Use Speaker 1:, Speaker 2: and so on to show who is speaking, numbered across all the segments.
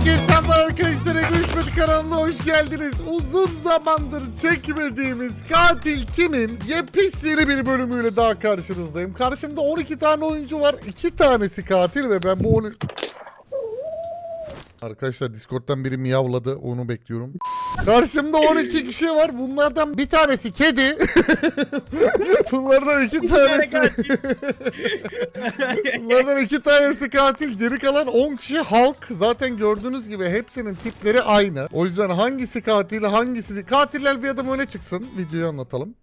Speaker 1: Herkese selamlar arkadaşlar. Görüşmedik kanalına hoş geldiniz. Uzun zamandır çekmediğimiz Katil Kim'in yepyeni bir bölümüyle daha karşınızdayım. Karşımda 12 tane oyuncu var. 2 tanesi katil ve ben bu 12... Arkadaşlar Discord'dan biri miyavladı. Onu bekliyorum. Karşımda 12 kişi var. Bunlardan bir tanesi kedi. Bunlardan 2 tanesi... Bunlardan 2 tanesi katil. Geri kalan 10 kişi halk. Zaten gördüğünüz gibi hepsinin tipleri aynı. O yüzden hangisi katil, hangisi değil. Katiller bir adım öne çıksın. Videoyu anlatalım.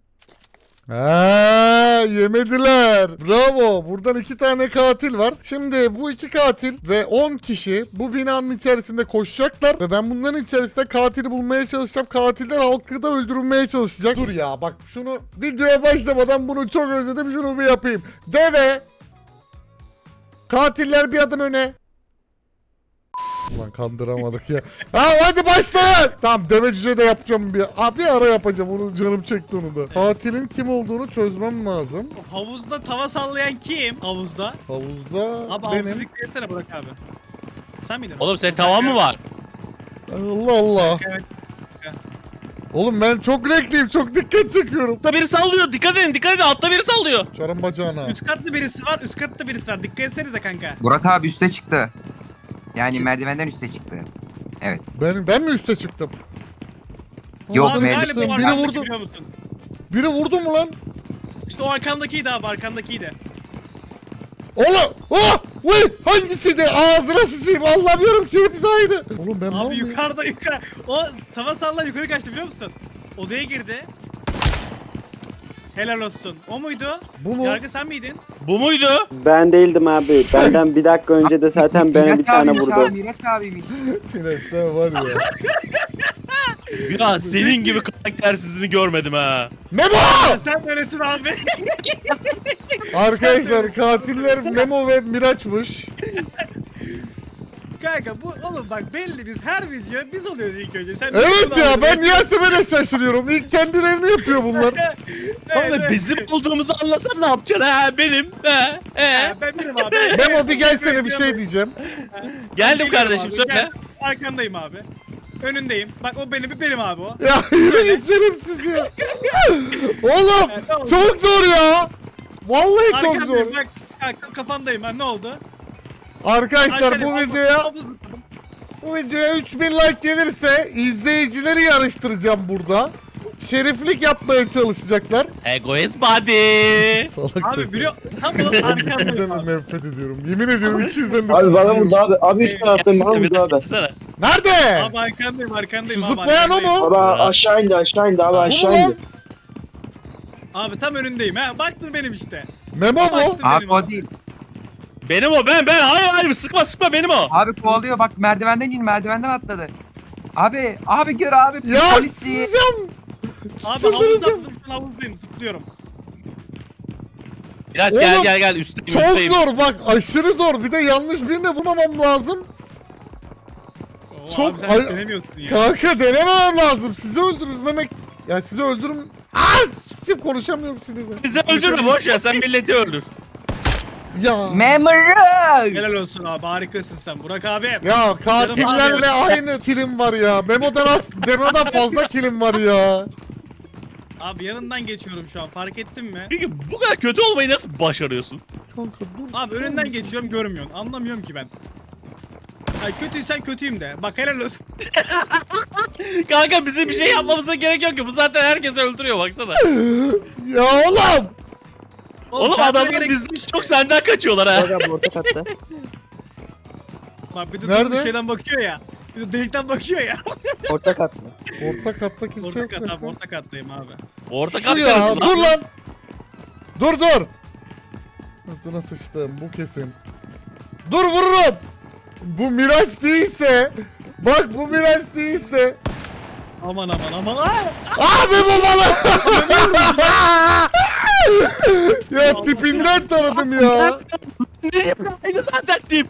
Speaker 1: Yemediler. Bravo. Buradan 2 tane katil var. Şimdi bu 2 katil ve 10 kişi bu binanın içerisinde koşacaklar ve ben bunların içerisinde katili bulmaya çalışacağım. Katiller halkı da öldürülmeye çalışacak. Dur ya bak şunu videoya başlamadan bunu çok özledim. Şunu bir yapayım. Deve. Katiller bir adım öne. Ulan kandıramadık ya. Hadi başlayın. Tamam deve cüce de yapacağım bir. Bir ara yapacağım onu, canım çekti onu da. Katilin kim olduğunu çözmem lazım.
Speaker 2: Havuzda tava sallayan kim? Havuzda.
Speaker 1: Havuzda
Speaker 2: Abi
Speaker 1: benim.
Speaker 2: havuzda etsene Burak abi. Sen miydin?
Speaker 3: Oğlum senin tavan mı var?
Speaker 1: Allah Allah.
Speaker 2: Evet.
Speaker 1: Oğlum ben çok renkliyim, çok dikkat çekiyorum.
Speaker 3: Altta biri sallıyor. Dikkat edin. Altta biri sallıyor.
Speaker 1: Çarım bacağına.
Speaker 2: Üst katlı birisi var, üst katlı birisi var. Dikkat etsenize kanka.
Speaker 4: Burak abi üste çıktı. Yani merdivenden üste çıktı. Evet.
Speaker 1: Ben mi üste çıktım?
Speaker 4: Yok,
Speaker 2: abi
Speaker 4: meclis-
Speaker 2: galiba o
Speaker 1: Biri
Speaker 2: arkandaki
Speaker 1: vurdu.
Speaker 2: biliyor musun?
Speaker 1: Biri vurdu mu lan?
Speaker 2: İşte o arkandakiydi abi, arkandakiydi.
Speaker 1: Oğlum! Oh! Uy! Hangisiydi? Ağzına sıçayım. Anlamıyorum ki hepsi aynı. Oğlum ben
Speaker 2: Abi yukarıda. O tava salla yukarı kaçtı biliyor musun? Odaya girdi. Helal olsun. O muydu?
Speaker 1: Bu mu?
Speaker 2: Yargı sen miydin?
Speaker 3: Bu muydu?
Speaker 5: Ben değildim abi. Benden bir dakika önce de zaten bana bir tane
Speaker 4: abiymiş
Speaker 5: vurdu.
Speaker 4: abi, Miraç abiymiş.
Speaker 1: Yine sen var ya.
Speaker 3: Ya senin gibi karaktersizini görmedim ha.
Speaker 1: Memo!
Speaker 2: Sen böylesin abi.
Speaker 1: Arkadaşlar katiller Memo ve Miraç'mış.
Speaker 2: Kanka bu oğlum bak belli biz her video biz oluyoruz ilk önce. Sen
Speaker 1: Evet ya ben niyeyse böyle şaşırıyorum. İlk kendilerini yapıyor bunlar.
Speaker 3: Oğlum bizim olduğumuzu anlasan ne yapacaksın ha benim?
Speaker 2: Ben benim abi.
Speaker 1: Memo bir gelsene bir şey diyeceğim.
Speaker 3: Geldim
Speaker 2: Geliyorum
Speaker 3: kardeşim
Speaker 2: abi,
Speaker 3: söyle.
Speaker 2: gel. Arkandayım abi. Önündeyim. Bak o benim abi o.
Speaker 1: Ya yürü geçelim sizi ya. Oğlum çok zor ya. Vallahi çok zor.
Speaker 2: Arkandayım bak. Kafandayım ben ne oldu?
Speaker 1: Arkadaşlar bu
Speaker 2: Arkandayım,
Speaker 1: videoya 3000 like gelirse izleyicileri yarıştıracağım burada. Şeriflik yapmaya çalışacaklar.
Speaker 3: Egoist body.
Speaker 1: Salak
Speaker 2: Abi
Speaker 1: sesi.
Speaker 2: biliyor. Tam olarak arkandayım
Speaker 1: İkizden de
Speaker 2: abi.
Speaker 1: nefret ediyorum. Yemin ediyorum ikizden de
Speaker 5: Abi bana
Speaker 1: tiksiniyorum.
Speaker 5: vurdu abi. Abi üst taraftayım bana vurdu
Speaker 3: Biraz
Speaker 5: abi.
Speaker 3: gitsene.
Speaker 1: Nerede?
Speaker 2: Abi arkandayım
Speaker 1: Şu
Speaker 2: abi.
Speaker 1: zıplayan o
Speaker 2: arkandayım.
Speaker 1: mu?
Speaker 5: Abi aşağı indi abi
Speaker 1: Bu mu
Speaker 5: aşağı
Speaker 1: lan?
Speaker 5: indi.
Speaker 2: Abi tam önündeyim ha. Baktın benim işte.
Speaker 1: Memo mu?
Speaker 2: Baktım
Speaker 4: Abi
Speaker 2: benim
Speaker 4: o değil.
Speaker 3: Benim o ben. Hayır sıkma benim o.
Speaker 4: Abi kovalıyor bak merdivenden merdivenden atladı. Abi gör abi.
Speaker 1: Ya
Speaker 4: Polis diye.
Speaker 1: sızacağım.
Speaker 2: Abi
Speaker 1: Çıldıracağım.
Speaker 2: havuzdayım. Şu an havuzdayım zıplıyorum.
Speaker 3: Miraç
Speaker 1: Oğlum,
Speaker 3: gel üstteyim
Speaker 1: Çok
Speaker 3: üstteyim.
Speaker 1: zor bak aşırı zor. Bir de yanlış birine vurmamam lazım.
Speaker 2: Oo,
Speaker 1: Çok
Speaker 2: abi sen
Speaker 1: ay-
Speaker 2: hiç denemiyorsun ya.
Speaker 1: Kanka denememem lazım. Sizi öldürmemek... Ya sizi öldürüm... Şimdi konuşamıyorum sinirden.
Speaker 3: Bizi öldürme boş ver sen milleti öldür.
Speaker 1: Ya.
Speaker 4: Memory.
Speaker 2: Helal olsun abi harikasın sen Burak abi.
Speaker 1: Ya katillerle aynı kilim var ya. Memo'dan fazla kilim var ya.
Speaker 2: Abi yanından geçiyorum şu an fark ettin mi?
Speaker 3: Peki bu kadar kötü olmayı nasıl başarıyorsun?
Speaker 1: Kanka dur.
Speaker 2: Abi önünden geçiyorum görmüyorsun. Anlamıyorum ki ben. Ay kötüysen kötüyüm de. Bak helal olsun.
Speaker 3: Kanka bizim bir şey yapmamıza gerek yok ki. Bu zaten herkesi öldürüyor baksana.
Speaker 1: Ya oğlum.
Speaker 3: Oğlum
Speaker 2: çarpmaya
Speaker 3: adamlar
Speaker 2: gerek
Speaker 3: bizden
Speaker 2: yok
Speaker 3: çok
Speaker 2: işte.
Speaker 3: senden kaçıyorlar ha.
Speaker 5: Burak abi orta katta.
Speaker 2: Bak bir de
Speaker 1: Nerede?
Speaker 2: bir şeyden bakıyor ya. Bir de delikten bakıyor ya.
Speaker 5: Orta kat mı?
Speaker 1: Orta katta kimse
Speaker 2: Orta
Speaker 1: yok.
Speaker 2: kat abi orta kattayım abi.
Speaker 3: Orta
Speaker 1: Şu
Speaker 3: kat
Speaker 1: ya
Speaker 3: karısı
Speaker 1: dur
Speaker 3: lan.
Speaker 1: lan. Dur. Ağzına sıçtım bu kesin. Dur vururum. Bu Miraç değilse. Bak bu Miraç değilse.
Speaker 2: Aman. Aa!
Speaker 1: Abi bu bana. Ya tipinden tanıdım ya.
Speaker 3: Ne yapayım? Aynı zaten tip.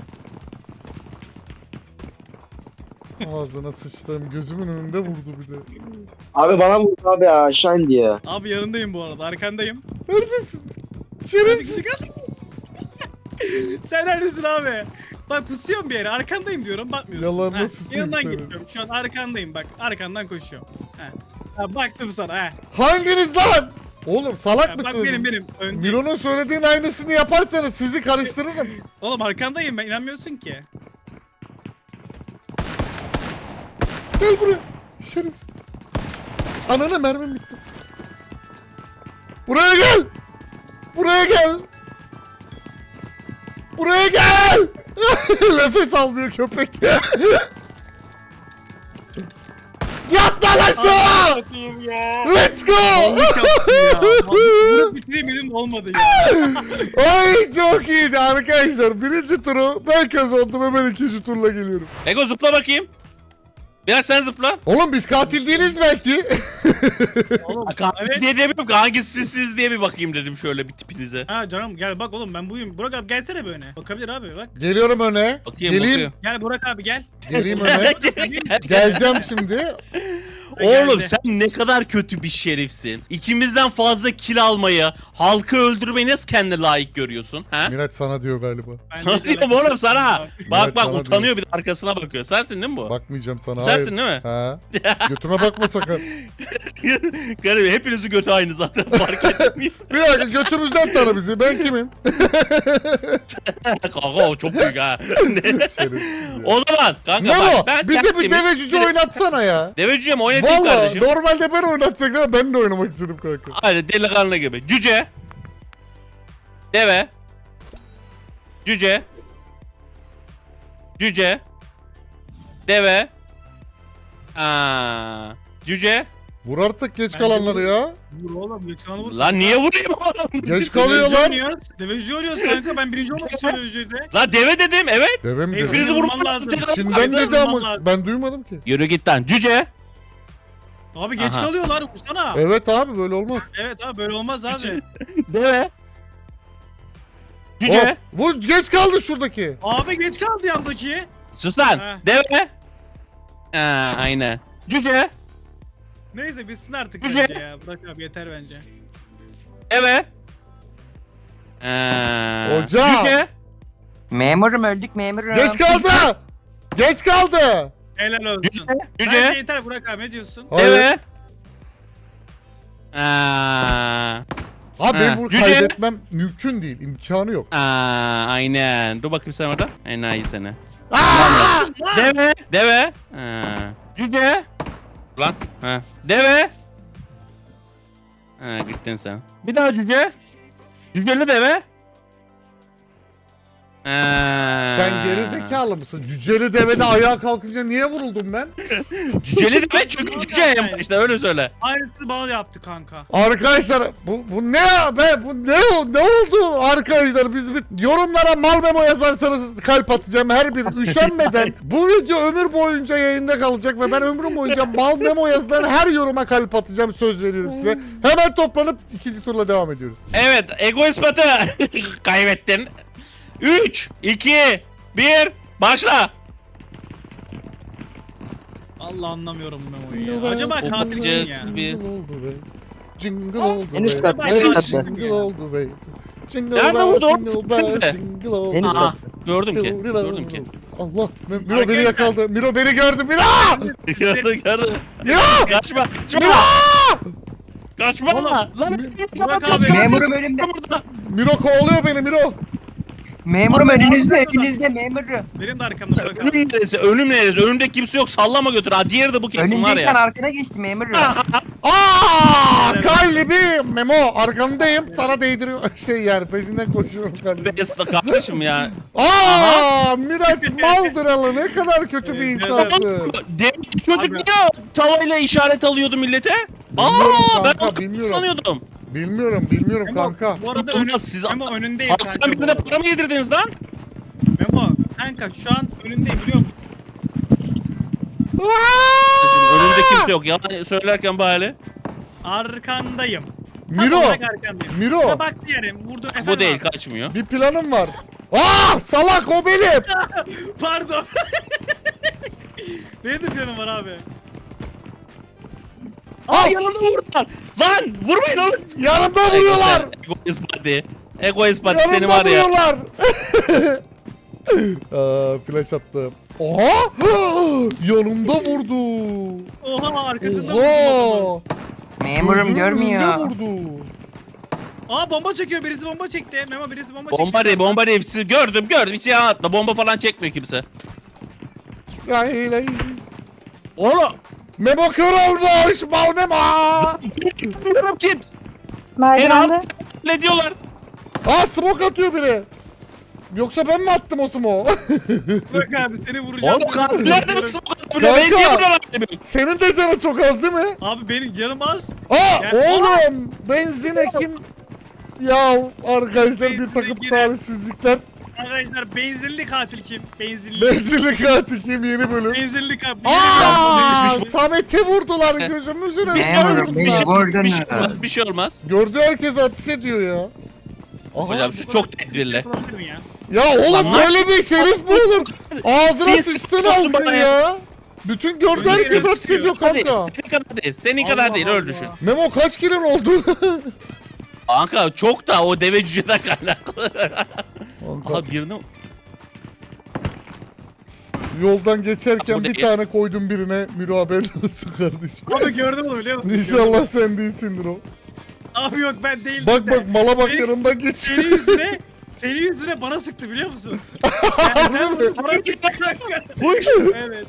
Speaker 1: Ağzına sıçtım gözümün önünde vurdu bir de.
Speaker 5: Abi bana vurdu abi aşağı indi ya.
Speaker 2: Abi yanındayım bu arada arkandayım.
Speaker 1: Neredesin? Şerefsiz.
Speaker 2: Sen neredesin abi? Bak pusuyorum bir yere arkandayım diyorum bakmıyorsun.
Speaker 1: Yalan
Speaker 2: Ha,
Speaker 1: nasıl
Speaker 2: yanından
Speaker 1: çünkü?
Speaker 2: gidiyorum şu an arkandayım bak arkandan koşuyorum. Ha, baktım sana ha.
Speaker 1: Hanginiz lan? Oğlum salak
Speaker 2: Ha,
Speaker 1: mısınız?
Speaker 2: bak benim öndeyim.
Speaker 1: Miro'nun söylediğin aynısını yaparsanız sizi karıştırırım.
Speaker 2: Oğlum arkandayım ben inanmıyorsun ki.
Speaker 1: Gel buraya. Şerefsiz. Anana mermim bitti. Buraya gel. Buraya gel. Buraya gel. Nefes almıyor köpek. Yat lan aşağı.
Speaker 2: Satayım ya.
Speaker 1: Let's go.
Speaker 2: Vallahi yaptım ya. Bunu bitireyim dedim olmadı ya.
Speaker 1: Ay çok iyiydi arkadaşlar. Birinci turu ben kazandım. Hemen ikinci turla geliyorum.
Speaker 3: Ego zıpla bakayım. Biraz sen zıpla.
Speaker 1: Oğlum biz katil değiliz belki.
Speaker 2: Oğlum,
Speaker 3: Katil
Speaker 2: evet.
Speaker 3: diye demiyorum ki hangisi siz diye bir bakayım dedim şöyle bir tipinize.
Speaker 2: Ha canım gel bak oğlum ben buyum. Burak abi gelsene bir öne. Bakabilir abi bak.
Speaker 1: Geliyorum öne.
Speaker 3: Bakayım
Speaker 1: Geleyim.
Speaker 3: bakayım.
Speaker 2: Gel Burak abi gel.
Speaker 1: Geleyim öne. Geleceğim şimdi.
Speaker 3: Oğlum
Speaker 2: Geldi.
Speaker 3: sen ne kadar kötü bir şerifsin. İkimizden fazla kill almayı, halkı öldürmeyi nasıl kendine layık görüyorsun? Ha?
Speaker 1: Miraç sana diyor galiba.
Speaker 3: Sana diyorum oğlum sana. Bak
Speaker 1: Evet,
Speaker 3: bak
Speaker 1: sana
Speaker 3: utanıyor bir de arkasına bakıyor. Sensin değil mi bu?
Speaker 1: Bakmayacağım sana.
Speaker 3: Sensin
Speaker 1: hayır.
Speaker 3: değil mi?
Speaker 1: Ha. Götüme bakma sakın.
Speaker 3: Garip hepinizin götü aynı zaten fark etmiyor.
Speaker 1: Bir dakika götümüzden tanı bizi. Ben kimim?
Speaker 3: Kanka o çok büyük ha.
Speaker 1: Şerefsiz ya.
Speaker 3: O zaman kanka
Speaker 1: Memo
Speaker 3: bak ben
Speaker 1: bize bir
Speaker 3: tertemiz-
Speaker 1: deve cüce oynatsana ya.
Speaker 3: Deve cüce mi oynatayım
Speaker 1: Valla
Speaker 3: kardeşim?
Speaker 1: normalde ben oynatacaktım ama ben de oynamak istedim kanka.
Speaker 3: Hadi delikanlı gibi. Cüce. Deve. Cüce. Cüce. Deve. Aa. Cüce.
Speaker 1: Vur artık geç
Speaker 2: Bence
Speaker 1: kalanları ya.
Speaker 2: Vur oğlum geçen vur.
Speaker 3: Lan niye vurayım oğlum?
Speaker 1: Geç kalıyor lan.
Speaker 2: Deveci oynuyoruz kanka ben birinci olmak istiyorum devecide.
Speaker 3: Lan deve dedim evet.
Speaker 1: Deve mi
Speaker 3: Hepinizi
Speaker 1: dedi?
Speaker 2: Hepinizi
Speaker 3: vurman
Speaker 2: vurman
Speaker 3: lazım.
Speaker 2: lazım.
Speaker 1: Şimdiden
Speaker 2: Abi,
Speaker 1: dedi
Speaker 2: vurman
Speaker 1: ama
Speaker 2: lazım.
Speaker 1: ben duymadım ki.
Speaker 3: Yürü git lan. Cüce.
Speaker 2: Abi geç
Speaker 3: Aha.
Speaker 2: kalıyorlar vursana.
Speaker 1: Evet abi böyle olmaz.
Speaker 2: Evet abi böyle olmaz abi.
Speaker 3: Deve. Cüce.
Speaker 1: Hop, bu geç kaldı şuradaki.
Speaker 2: Abi geç kaldı yandaki.
Speaker 3: Sus lan.
Speaker 2: Ha.
Speaker 3: Deve. Aa, aynen. Cüce.
Speaker 2: Neyse bitsin artık
Speaker 3: Güzel.
Speaker 2: bence ya. Bırak abi yeter bence.
Speaker 3: Deve. Aa,
Speaker 1: Hocam.
Speaker 3: Cüce.
Speaker 4: Memurum öldük memurum.
Speaker 1: Geç kaldı. Geç kaldı.
Speaker 2: Helal olsun.
Speaker 3: Cüce.
Speaker 2: Bence
Speaker 3: Cüce.
Speaker 2: yeter Burak abi ne diyorsun?
Speaker 1: Hayır.
Speaker 3: Deve. Aa.
Speaker 1: Abi
Speaker 3: Ha,
Speaker 1: bunu
Speaker 3: cüce.
Speaker 1: kaybetmem mümkün değil. İmkanı yok.
Speaker 3: Aa, aynen. Dur bakayım sen orada. Enayi seni.
Speaker 1: Aa!
Speaker 3: Deve. Deve. Aa. Cüce. Lan. Ha. Deve. Ha, gittin sen. Bir daha cüce. Cüceli deve.
Speaker 1: Sen gerizekalı mısın? Cüceli devede ayağa kalkınca niye vuruldum ben?
Speaker 3: Cüceli deve çünkü cüce en başta öyle söyle.
Speaker 2: Aynısını bana yaptı kanka.
Speaker 1: Arkadaşlar bu ne ya be? Bu ne oldu arkadaşlar? Biz bir yorumlara mal memo yazarsanız kalp atacağım her bir üşenmeden. Bu video ömür boyunca yayında kalacak ve ben ömrüm boyunca mal memo yazılan her yoruma kalp atacağım söz veriyorum size. Hemen toplanıp ikinci turla devam ediyoruz.
Speaker 3: Evet, ego ispatı. Kaybettin. 3, 2, 1, başla.
Speaker 2: Allah anlamıyorum Memo'yu ya. Acaba katil kim ya?
Speaker 3: Bir-
Speaker 1: Jingle oldu
Speaker 5: En üst
Speaker 1: be.
Speaker 5: kat,
Speaker 2: en üst kat.
Speaker 1: Jingle oldu be. Jingle
Speaker 3: Nerede
Speaker 1: bells,
Speaker 3: vurdu?
Speaker 1: jingle
Speaker 3: Orada
Speaker 1: bells,
Speaker 3: size.
Speaker 1: jingle oldu.
Speaker 5: En üst
Speaker 3: Aha,
Speaker 5: kat.
Speaker 3: gördüm ki. Gördüm ki.
Speaker 1: Allah. Miro beni
Speaker 2: Arkadaşlar.
Speaker 1: yakaladı. Miro beni gördü. Miro!
Speaker 3: Gördüm, gördüm.
Speaker 1: Miro!
Speaker 3: Kaçma, kaçma.
Speaker 1: Miro!
Speaker 3: Kaçma.
Speaker 2: Oğlum,
Speaker 3: Lan,
Speaker 2: Burak abi.
Speaker 4: Memurum önümde.
Speaker 3: burada.
Speaker 1: Miro kovalıyor beni Miro.
Speaker 4: Memurum
Speaker 2: Abi,
Speaker 4: önünüzde
Speaker 2: abi.
Speaker 4: önünüzde memurum.
Speaker 2: Benim de arkamda Burak abi.
Speaker 3: Önüm neresi? Önüm neresi? Önümde kimse yok. Sallama götür. Ha diğeri de bu kesin var
Speaker 4: Önündeyken
Speaker 3: ya.
Speaker 4: arkana geçti memurum.
Speaker 1: Aa! Kalbim! Memo arkandayım. Sana değdiriyor. Yani peşinden koşuyorum kardeşim.
Speaker 3: Besta kardeşim ya.
Speaker 1: Aa! Miraç Maldıralı ne kadar kötü bir
Speaker 2: Evet,
Speaker 1: insansın.
Speaker 3: Demek çocuk
Speaker 2: Abi.
Speaker 3: niye tavayla işaret alıyordu millete?
Speaker 1: Bilmiyorum
Speaker 3: Aa, ben
Speaker 1: kanka,
Speaker 3: onu
Speaker 1: bilmiyorum.
Speaker 3: sanıyordum.
Speaker 1: Bilmiyorum
Speaker 2: Memo,
Speaker 1: kanka.
Speaker 2: Bu arada
Speaker 3: Olmaz, siz-
Speaker 2: Memo önündeyim
Speaker 3: Halktan
Speaker 2: kanka. bu
Speaker 3: birine
Speaker 2: arada.
Speaker 3: para mı yedirdiniz lan?
Speaker 2: Memo kanka şu an önündeyim biliyor musun?
Speaker 3: Önümde kimse yok. Yalan söylerken bari.
Speaker 2: Arkandayım. Tam
Speaker 1: Miro!
Speaker 2: olarak arkandayım.
Speaker 1: Miro!
Speaker 2: Ya bak diyelim vurdu efendim.
Speaker 3: Bu değil
Speaker 2: abi.
Speaker 3: kaçmıyor.
Speaker 1: Bir planım var. Aa! Salak o benim.
Speaker 2: Pardon. Benim de planım var abi.
Speaker 3: Aa yanımda vurdular. Lan vurmayın oğlum.
Speaker 1: Yanımda vuruyorlar.
Speaker 3: Egoist body. Egoist body seni
Speaker 1: Yanımda
Speaker 3: var ya.
Speaker 1: vuruyorlar. Flash attım. Oha! Yanımda vurdu.
Speaker 2: Oha arkasında vurdum adamı.
Speaker 1: Oha!
Speaker 4: Memurum
Speaker 1: Gözümün
Speaker 4: görmüyor.
Speaker 1: önünde vurdu.
Speaker 2: Aa bomba çekiyor, birisi bomba çekti. Memo birisi bomba çekti.
Speaker 3: Bomba değil. Siz gördüm. Hiç yalan atma. Bomba falan çekmiyor kimse.
Speaker 1: Lay lay.
Speaker 3: Oğlum.
Speaker 1: Memo kör olmuş. Mal Memo.
Speaker 3: Bilmiyorum kim.
Speaker 6: Merdivende.
Speaker 3: Ne diyorlar?
Speaker 1: Smoke atıyor biri. Yoksa ben mi attım o smoke?
Speaker 2: Bak abi seni vuracağım.
Speaker 3: Oğlum katiller de mi smoke atıyor?
Speaker 1: Kanka.
Speaker 3: Ben niye vuruyorlar demiyorum.
Speaker 1: Senin de canın çok az değil mi?
Speaker 2: Abi benim canım az.
Speaker 1: Aa
Speaker 2: Ya-
Speaker 1: oğlum benzine kim? Ya arkadaşlar bir
Speaker 2: Benzine
Speaker 1: takım
Speaker 2: giren-
Speaker 1: talihsizlikler.
Speaker 2: Arkadaşlar benzinli katil kim? Benzinli.
Speaker 1: Benzinli katil kim yeni bölüm?
Speaker 2: Benzinli katil.
Speaker 1: Samet'e vurdular gözümüzün önünde
Speaker 4: Memurum beni
Speaker 1: vurdular.
Speaker 4: vurdunuz.
Speaker 3: Bir şey olmaz.
Speaker 1: Gördüğü herkes ateş ediyor ya. Aha.
Speaker 3: Hocam şu çok tedbirli.
Speaker 2: Yapılabilir mi ya?
Speaker 1: Ya oğlum
Speaker 3: Lan
Speaker 1: böyle bir şerif mi olur? Ağzına
Speaker 3: Siz
Speaker 1: sıçsın
Speaker 3: sıkıyorsun
Speaker 1: halkın
Speaker 3: bana
Speaker 1: ya. Bütün gördüğü
Speaker 2: Öyle
Speaker 1: herkes
Speaker 2: bir
Speaker 1: ateş ediyor
Speaker 3: Hadi,
Speaker 1: kanka.
Speaker 3: senin kadar değil. Senin kadar
Speaker 2: Allah
Speaker 3: değil öyle
Speaker 2: Allah.
Speaker 3: düşün.
Speaker 1: Memo kaç kilin oldu?
Speaker 3: Kanka çok da o deve cüceden kaynaklı.
Speaker 1: Kanka,
Speaker 3: Aha birini
Speaker 1: yoldan geçerken
Speaker 3: Bu
Speaker 1: bir
Speaker 3: değil.
Speaker 1: tane koydum birine. Miro haberin olsun kardeşim.
Speaker 2: Abi gördüm onu biliyor musun?
Speaker 1: İnşallah sen değilsindir o.
Speaker 2: Abi yok ben değildim
Speaker 1: Bak
Speaker 2: de.
Speaker 1: bak mala bak
Speaker 2: Senin-
Speaker 1: yanından geç.
Speaker 2: Senin yüzüne bana sıktı biliyor musun? Yani sen bana sıktı kanka.
Speaker 3: Kuş.
Speaker 2: Evet.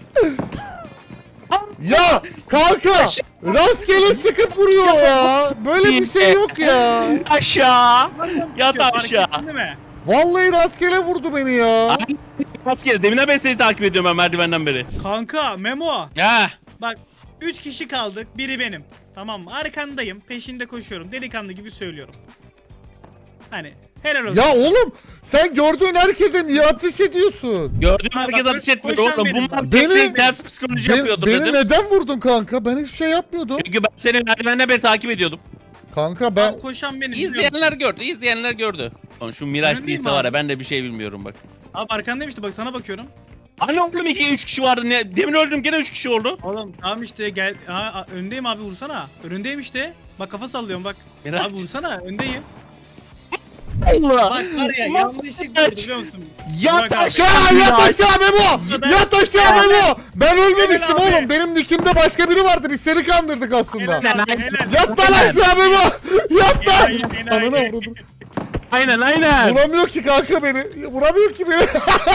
Speaker 1: Ya kanka rastgele sıkıp vuruyor ya. Böyle bir şey yok ya.
Speaker 3: Aşağı. Yat
Speaker 2: Fark
Speaker 3: aşağı.
Speaker 2: ettin değil mi?
Speaker 1: Vallahi rastgele vurdu beni ya.
Speaker 3: Asker deminden beri seni takip ediyorum ben merdivenden beri.
Speaker 2: Kanka Memo.
Speaker 3: Ya.
Speaker 2: Bak 3 kişi kaldık. Biri benim. Tamam mı? Arkandayım. Peşinde koşuyorum. Delikanlı gibi söylüyorum. Hani helal olsun.
Speaker 1: Ya oğlum sen gördüğün herkese niye ateş ediyorsun?
Speaker 3: Gördüğüm
Speaker 2: Ha,
Speaker 3: herkes
Speaker 2: bak,
Speaker 3: ateş etmiyor
Speaker 2: koşan
Speaker 3: oğlum.
Speaker 2: benim
Speaker 3: Bunlar
Speaker 2: bak.
Speaker 3: kesin
Speaker 1: Beni-
Speaker 3: ters psikoloji yapıyordur
Speaker 1: Beni
Speaker 3: dedim.
Speaker 1: neden vurdun kanka? Ben hiçbir şey yapmıyordum.
Speaker 3: Çünkü ben seni merdivenden beri takip ediyordum.
Speaker 1: Kanka ben
Speaker 2: Koşan benim. biliyor musun?
Speaker 3: İzleyenler gördü. Lan şu Miraç
Speaker 2: Öyle değil
Speaker 3: değilse
Speaker 2: mi
Speaker 3: var ya
Speaker 2: abi?
Speaker 3: ben de bir şey bilmiyorum bak.
Speaker 2: Abi arkandayım işte bak sana bakıyorum.
Speaker 3: Hani oğlum 2-3 kişi vardı ne? Demin öldüm gene 3 kişi oldu.
Speaker 2: Oğlum tamam işte gel. Öndeyim abi vursana. Önündeyim işte. Bak kafa sallıyorum bak.
Speaker 3: Miraç.
Speaker 2: Abi vursana öndeyim.
Speaker 3: Allah.
Speaker 2: Bak var ya yanlışlıkla vurdu biliyor musun?
Speaker 3: Yat
Speaker 2: Burak abi.
Speaker 3: aşağı.
Speaker 1: Ya yat aşağı Memo! Yat aşağı Memo! Ben ölmemiştim
Speaker 2: Helal abi.
Speaker 1: oğlum. Benim nikimde başka biri vardı. Biz seni kandırdık aslında.
Speaker 2: Helal abi helal.
Speaker 1: Yat lan aşağı Memo! Yat lan!
Speaker 2: Enayi,
Speaker 1: Ananı
Speaker 2: enayi.
Speaker 1: vurdum.
Speaker 3: Aynen.
Speaker 1: Vuramıyor ki kanka beni. Vuramıyor ki beni.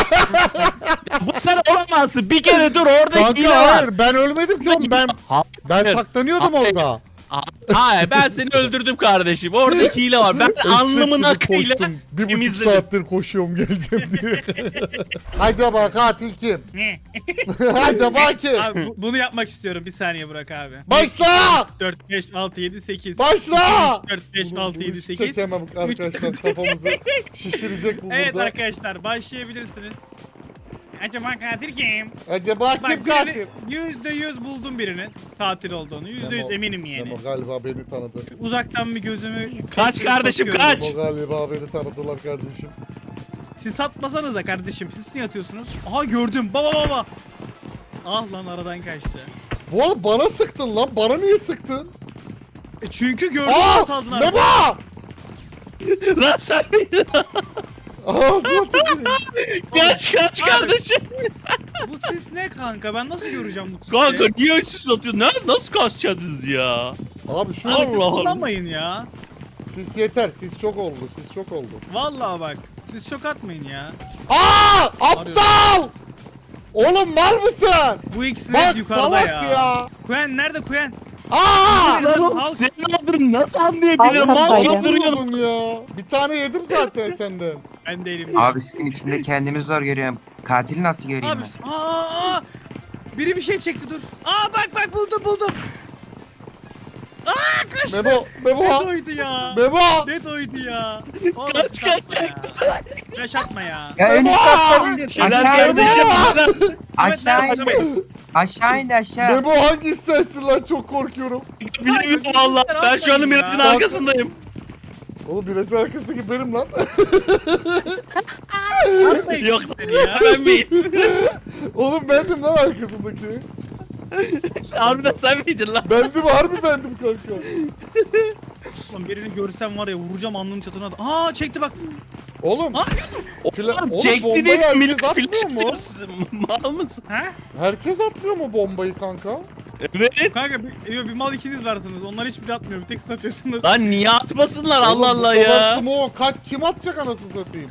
Speaker 3: Bu sen olamazsın. Bir kere dur orada hile
Speaker 1: Kanka
Speaker 3: var.
Speaker 1: hayır ben ölmedim ki oğlum. Ben
Speaker 3: Hayır.
Speaker 1: saklanıyordum
Speaker 3: Hayır.
Speaker 1: orada.
Speaker 3: Hayır ben seni öldürdüm kardeşim. Orada hile var. Ben alnımın
Speaker 1: Eşek gibi
Speaker 3: akıyla
Speaker 1: koştum. 1,5
Speaker 3: temizledim.
Speaker 1: saattir koşuyorum geleceğim diye. Acaba katil kim?
Speaker 2: Ne?
Speaker 1: Acaba kim?
Speaker 2: Abi bunu yapmak istiyorum. Bir saniye Burak abi.
Speaker 1: Başla!
Speaker 2: 4, 5, 6, 7, 8.
Speaker 1: Başla!
Speaker 2: 4, 5, 6, 7, 8.
Speaker 1: Çekemem arkadaşlar kafamızı şişirecek bu
Speaker 2: Evet
Speaker 1: burada.
Speaker 2: arkadaşlar başlayabilirsiniz. Acaba katil kim?
Speaker 1: Acaba kim
Speaker 2: Bak
Speaker 1: katil?
Speaker 2: %100 buldum birinin katil olduğunu. %100 eminim yani.
Speaker 1: Memo galiba beni tanıdı.
Speaker 2: Uzaktan bir gözümü...
Speaker 3: Kaç kardeşim,
Speaker 2: bakıyorum.
Speaker 3: kaç!
Speaker 1: Memo galiba beni tanıdılar kardeşim.
Speaker 2: Siz atmasanıza kardeşim. Siz niye atıyorsunuz? Aha gördüm. Baba. Ah lan aradan kaçtı.
Speaker 1: Bu arada bana sıktın lan. Bana niye sıktın?
Speaker 2: Çünkü gördüm
Speaker 1: Aa!
Speaker 2: saldın abi.
Speaker 1: Memo!
Speaker 3: Lan sen
Speaker 1: Ağzına tüküreyim.
Speaker 3: kaç kardeşim.
Speaker 2: Bu sis ne kanka? Ben nasıl göreceğim bu sisi?
Speaker 3: Kanka niye üstsüz atıyorsun? Nasıl kaçacaksınız ya?
Speaker 1: Abi şu
Speaker 2: Abi siz
Speaker 3: Allah Allah.
Speaker 2: kullanmayın ya.
Speaker 1: sis yeter. Sis çok oldu. Sis çok oldu.
Speaker 2: Vallahi bak. Siz çok atmayın ya.
Speaker 1: Aa! Aptal! Oğlum mal mısın?
Speaker 2: Bu ikisi
Speaker 1: Bak
Speaker 2: hep yukarıda
Speaker 1: salak
Speaker 2: ya.
Speaker 1: ya.
Speaker 2: Kuyen nerede Kuyen?
Speaker 1: Aa!
Speaker 2: Halk-
Speaker 3: Senin adını nasıl anlayabilirim?
Speaker 6: Halk
Speaker 3: Mal
Speaker 6: hataydı.
Speaker 3: gibi duruyorum.
Speaker 1: Vurdun ya. Bir tane yedim zaten senden.
Speaker 2: Ben değilim.
Speaker 4: Abi sizin içinde kendimi zor görüyorum. Katili nasıl göreyim
Speaker 2: Abi
Speaker 4: ben?
Speaker 2: aa! Biri bir şey çekti dur. Aa bak buldum. Aa kaçtı.
Speaker 1: Memo
Speaker 2: Net oydu ya.
Speaker 1: Memo.
Speaker 2: Net oydu ya. Oğlum,
Speaker 3: Kaç,
Speaker 2: kaçma ya. Yaşatma ya.
Speaker 4: Ya en üst katta indim.
Speaker 3: Şeyler
Speaker 4: Aşağı indi.
Speaker 3: kardeşim.
Speaker 4: Aşağı
Speaker 2: nerede?
Speaker 4: indi. Aşağı indi aşağı.
Speaker 1: Memo hangi sensin lan çok korkuyorum.
Speaker 3: Bilmiyorum valla. Ben şu anda Miraç'ın
Speaker 2: Ya.
Speaker 3: arkasındayım.
Speaker 1: Oğlum biraz arkası gibi benim lan.
Speaker 2: Atmayın
Speaker 3: Yoksa
Speaker 2: seni ya.
Speaker 3: ben miyim?
Speaker 1: Oğlum bendim lan arkasındaki.
Speaker 3: Harbiden sen miydin lan?
Speaker 1: Bendim harbi bendim kanka.
Speaker 2: Oğlum birini görsem var ya vuracağım alnının çatına. Aa çekti bak.
Speaker 1: Oğlum.
Speaker 2: Aa,
Speaker 1: Oğlum
Speaker 3: Çekti
Speaker 1: bombayı
Speaker 3: de
Speaker 1: herkes
Speaker 3: millet
Speaker 1: atmıyor mu?
Speaker 3: flaşlıyorsun. Mal mısın?
Speaker 2: Ha?
Speaker 1: Herkes atmıyor mu bombayı kanka?
Speaker 3: Evet.
Speaker 2: Kanka bir mal ikiniz varsınız. Onlar hiçbiri atmıyor. Bir tek siz atıyorsunuz.
Speaker 3: Lan niye atmasınlar
Speaker 1: Oğlum,
Speaker 3: Allah
Speaker 1: bu
Speaker 3: Allah
Speaker 1: kadar
Speaker 3: ya.
Speaker 1: smoke kim atacak anasını satayım?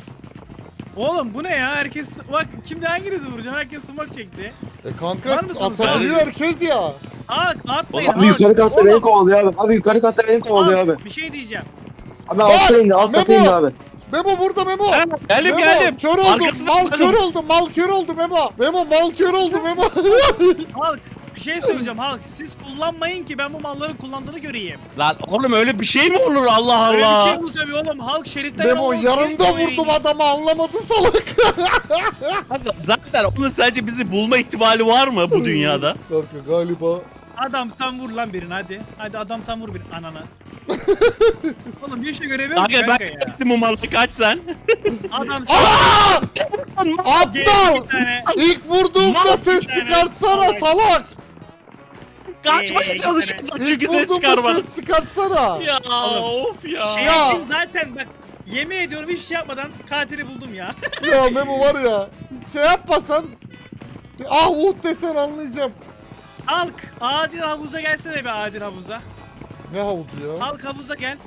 Speaker 2: Oğlum bu ne ya? Herkes bak şimdi hanginizi vuracağım? Herkes smoke çekti.
Speaker 1: Kanka
Speaker 2: Var mısınız?
Speaker 1: atabiliyor herkes ya.
Speaker 2: Atmayın.
Speaker 3: Oğlum,
Speaker 5: Abi yukarı katta
Speaker 2: Oğlum,
Speaker 5: beni kovalıyor abi. Abi yukarı katta beni kovalıyor abi.
Speaker 2: Bir şey diyeceğim.
Speaker 5: Abi altta indi, alt kata
Speaker 1: Memo!
Speaker 5: indi abi.
Speaker 1: Memo burada Memo.
Speaker 3: Ha, geldim
Speaker 1: Memo,
Speaker 3: geldim.
Speaker 1: kör oldum.
Speaker 3: Arkasında
Speaker 1: Mal
Speaker 3: kaldım.
Speaker 1: kör oldu. Mal kör oldu Memo. Memo mal kör oldu Memo.
Speaker 2: Halk bir şey söyleyeceğim Halk. Siz kullanmayın ki ben bu malların kullandığını göreyim.
Speaker 3: Lan oğlum öyle bir şey mi olur Allah
Speaker 2: Öyle bir
Speaker 3: Allah.
Speaker 2: şey bu tabii oğlum. Halk şeriften
Speaker 1: Memo
Speaker 2: olmaz.
Speaker 1: yanımda
Speaker 2: Şerif
Speaker 1: vurdum
Speaker 2: göreyim.
Speaker 1: adamı anlamadı salak.
Speaker 3: Kanka, zaten onun sadece bizi bulma ihtimali var mı bu dünyada?
Speaker 1: Kanka galiba.
Speaker 2: Adam sen vur lan birini hadi. Hadi adam sen vur birini anana. Oğlum bir şey göremiyorum
Speaker 3: Kanka
Speaker 2: kanka
Speaker 3: ben
Speaker 2: ya.
Speaker 3: çektim o malı kaç sen.
Speaker 2: Adam
Speaker 1: Aa!
Speaker 2: Geldi
Speaker 1: Aptal!
Speaker 2: bir tane.
Speaker 1: İlk vurduğumda
Speaker 2: Mal
Speaker 1: ses
Speaker 2: bir tane.
Speaker 1: çıkartsana
Speaker 2: Salak.
Speaker 1: salak.
Speaker 3: Kaçmaya çalışıyorlar
Speaker 1: İlk
Speaker 3: çünkü ses
Speaker 1: vurduğumda
Speaker 3: çıkarma.
Speaker 1: ses çıkartsana.
Speaker 3: Ya
Speaker 2: Oğlum,
Speaker 3: of ya.
Speaker 2: Şey
Speaker 1: Ya.
Speaker 2: yaptın zaten bak. Yemin ediyorum hiçbir şey yapmadan katili buldum ya.
Speaker 1: Ya Memo var ya. Şey yapmasan. Ah desen anlayacağım.
Speaker 2: Halk acil havuza gelsene be acil havuza.
Speaker 1: Ne havuzu ya?
Speaker 2: Halk havuza gel.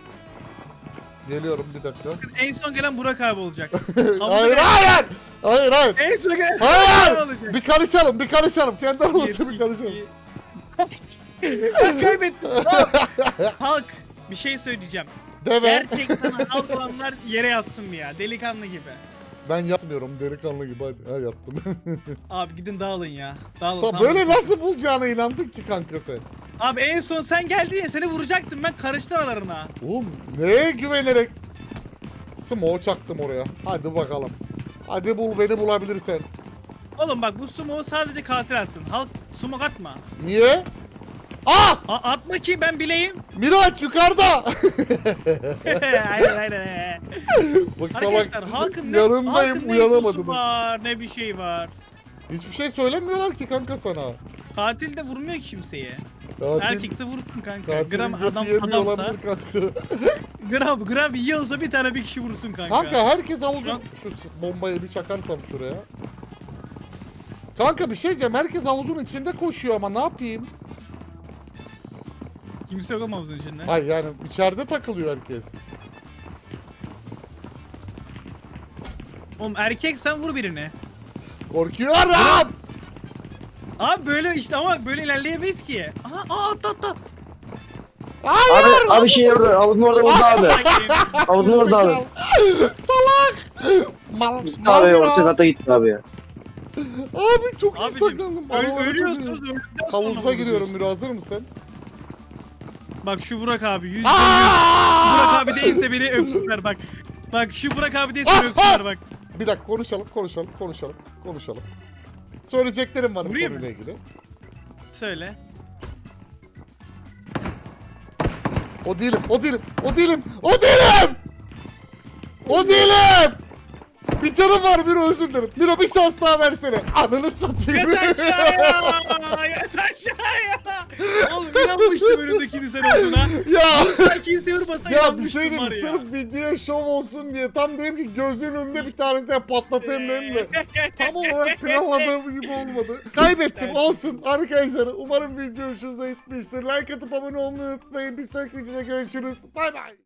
Speaker 1: Geliyorum bir dakika.
Speaker 2: En son gelen Burak abi olacak. Havuza
Speaker 1: Hayır
Speaker 2: gel.
Speaker 1: hayır. Hayır hayır.
Speaker 2: En son gelen
Speaker 1: Hayır.
Speaker 2: Burak abi olacak.
Speaker 1: Bir karışalım bir karışalım. Kendi aramızda bir karışalım.
Speaker 2: Ben kaybettim. Halk bir şey söyleyeceğim.
Speaker 1: Deve.
Speaker 2: Gerçekten halk olanlar yere yatsın mı ya? Delikanlı gibi.
Speaker 1: Ben yatmıyorum delikanlı gibi hadi. Ha yattım.
Speaker 2: Abi gidin dağılın ya. Dağılın.
Speaker 1: Sen
Speaker 2: tamam.
Speaker 1: böyle nasıl bulacağına inandın ki kanka sen?
Speaker 2: Abi en son sen geldin ya seni vuracaktım ben karıştı aralarına.
Speaker 1: Oğlum neye güvenerek? Smoke çaktım oraya. Hadi bakalım. Hadi bul beni bulabilirsen.
Speaker 2: Oğlum bak bu sumo sadece katil atsın. Halk sumo atma.
Speaker 1: Niye? Ah!
Speaker 2: Atma ki ben bileyim.
Speaker 1: Miraç yukarıda.
Speaker 2: aynen aynen.
Speaker 1: Bak salak.
Speaker 2: Arkadaşlar halkın ne,
Speaker 1: yanındayım
Speaker 2: halkın ne
Speaker 1: uyanamadım.
Speaker 2: infosu var ne bir şey var.
Speaker 1: Hiçbir şey söylemiyorlar ki kanka sana.
Speaker 2: Katil de vurmuyor ki kimseye.
Speaker 1: Katil,
Speaker 2: Erkekse vursun kanka.
Speaker 1: katilin
Speaker 2: Gram
Speaker 1: götü
Speaker 2: adam
Speaker 1: yemiyor
Speaker 2: adamsa
Speaker 1: olabilir kanka.
Speaker 2: gram yiyorsa bir tane bir kişi vursun kanka.
Speaker 1: Kanka herkes havuzun...
Speaker 2: Şu an-
Speaker 1: Şu bombayı bir çakarsam şuraya. Kanka bir şey diyeceğim. Herkes havuzun içinde koşuyor ama ne yapayım?
Speaker 2: Kimse yok ama havuzun içinde.
Speaker 1: Hayır yani içeride takılıyor herkes.
Speaker 2: Oğlum erkek sen vur birini.
Speaker 1: Korkuyorum.
Speaker 2: Abi böyle işte ama böyle ilerleyemeyiz ki. Aha atla.
Speaker 1: Hayır.
Speaker 5: Abi şey orada, havuzun orada vurdu abi. Havuzun orada abi.
Speaker 1: Salak. Mal,
Speaker 5: Gitti
Speaker 1: mal
Speaker 5: abi,
Speaker 1: ya.
Speaker 5: orta kata gitti abi ya.
Speaker 1: Abi çok iyi
Speaker 2: Abicim
Speaker 1: saklandım. Aralara çok
Speaker 2: ölüyorsunuz
Speaker 1: iyi.
Speaker 2: öldükten sonra
Speaker 1: Havuza giriyorum
Speaker 2: vuruyorsun.
Speaker 1: Miro, hazır mısın?
Speaker 2: Bak şu Burak abi %100.
Speaker 1: Aa!
Speaker 2: Burak abi değilse beni öpsünler bak. Bak şu Burak abi değilse beni öpsünler bak.
Speaker 1: Bir dakika konuşalım. Söyleyeceklerim var bu
Speaker 2: Vurayım
Speaker 1: konuyla
Speaker 2: mı?
Speaker 1: ilgili.
Speaker 2: Söyle.
Speaker 1: O değilim. Bir canım var Miro, özür dilerim. Miro bir şans daha versene. Ananı satayım.
Speaker 2: Yat aşağıya. Yat aşağıya. Oğlum inanmıştım önündekini sen olduğuna.
Speaker 1: ya.
Speaker 2: Sen kimse vurmasa
Speaker 1: Ya bir
Speaker 2: inanmıştım
Speaker 1: şey
Speaker 2: var
Speaker 1: diyeyim,
Speaker 2: ya.
Speaker 1: sırf videoya şov olsun diye tam dedim ki gözünün önünde bir tanesini patlatayım dedim de tam olarak planladığım gibi olmadı. Kaybettim, olsun arkadaşlar. Umarım video hoşunuza gitmiştir. Like atıp abone olmayı unutmayın. Bir sonraki videoda görüşürüz. Bay bay.